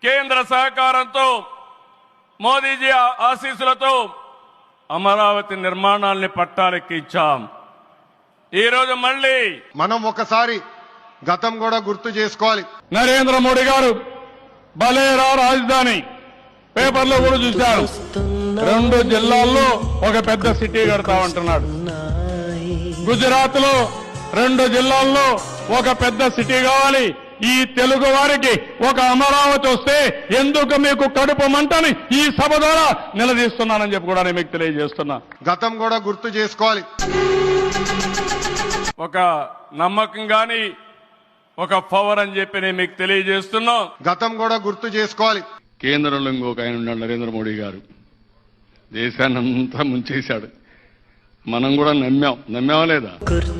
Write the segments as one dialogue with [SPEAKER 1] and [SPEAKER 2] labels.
[SPEAKER 1] కేంద్ర సహకారంతో మోదీజీ ఆశీస్సులతో అమరావతి నిర్మాణాల్ని పట్టాలెక్కించాం. ఈరోజు మళ్ళీ
[SPEAKER 2] మనం ఒకసారి గతం కూడా గుర్తు చేసుకోవాలి.
[SPEAKER 3] నరేంద్ర మోడీ గారు బలేరా రాజధాని పేపర్లో కూడా చూశారు. 2 జిల్లాల్లో ఒక పెద్ద సిటీ కడతా ఉంటున్నాడు. గుజరాత్ లో 2 జిల్లాల్లో ఒక పెద్ద సిటీ కావాలి. ఈ తెలుగు వారికి ఒక అమరావతి వస్తే ఎందుకు మీకు కడుపు మంటని ఈ సభ ద్వారా నిలదీస్తున్నానని చెప్పి కూడా నేను మీకు తెలియజేస్తున్నా.
[SPEAKER 2] గతం కూడా గుర్తు చేసుకోవాలి.
[SPEAKER 1] ఒక నమ్మకం గాని ఒక పవర్ అని చెప్పి నేను మీకు తెలియజేస్తున్నా.
[SPEAKER 2] గతం కూడా గుర్తు చేసుకోవాలి.
[SPEAKER 3] కేంద్రంలో ఇంకొక ఆయన ఉన్నాడు నరేంద్ర మోడీ గారు. దేశాన్ని అంతా ముంచేశాడు. మనం కూడా నమ్మామా లేదా?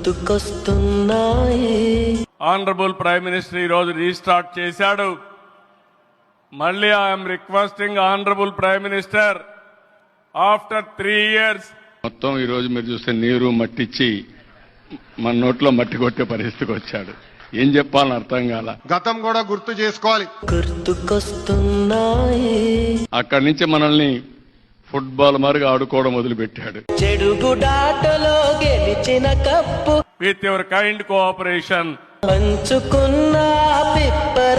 [SPEAKER 1] ఆనరబుల్ ప్రైమ్ మినిస్టర్ ఈ రోజు రీస్టార్ట్ చేశాడు. మళ్ళీ I'm requesting honourable prime minister after 3 years
[SPEAKER 3] మొత్తం ఈ రోజు మీరు చూస్తే నీరు మట్టిచ్చి మన నోట్లో మట్టి కొట్టే పరిస్థితికి వచ్చాడు. ఏం చెప్పాలని అర్థం కాల.
[SPEAKER 2] గతం కూడా గుర్తు చేసుకోవాలి.
[SPEAKER 3] అక్కడి నుంచి మనల్ని ఫుట్బాల్ మరుగు ఆడుకోవడం మొదలుపెట్టాడు.
[SPEAKER 4] చెడుగుడాటలో గెలిచిన cup
[SPEAKER 1] with your kind cooperation
[SPEAKER 4] పంచుకున్న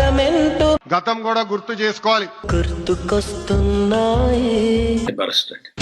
[SPEAKER 4] పిప్పరమెంటు
[SPEAKER 2] గతం కూడా గుర్తు చేసుకోవాలి.
[SPEAKER 4] గుర్తుకొస్తున్నాయి.
[SPEAKER 5] Barrister.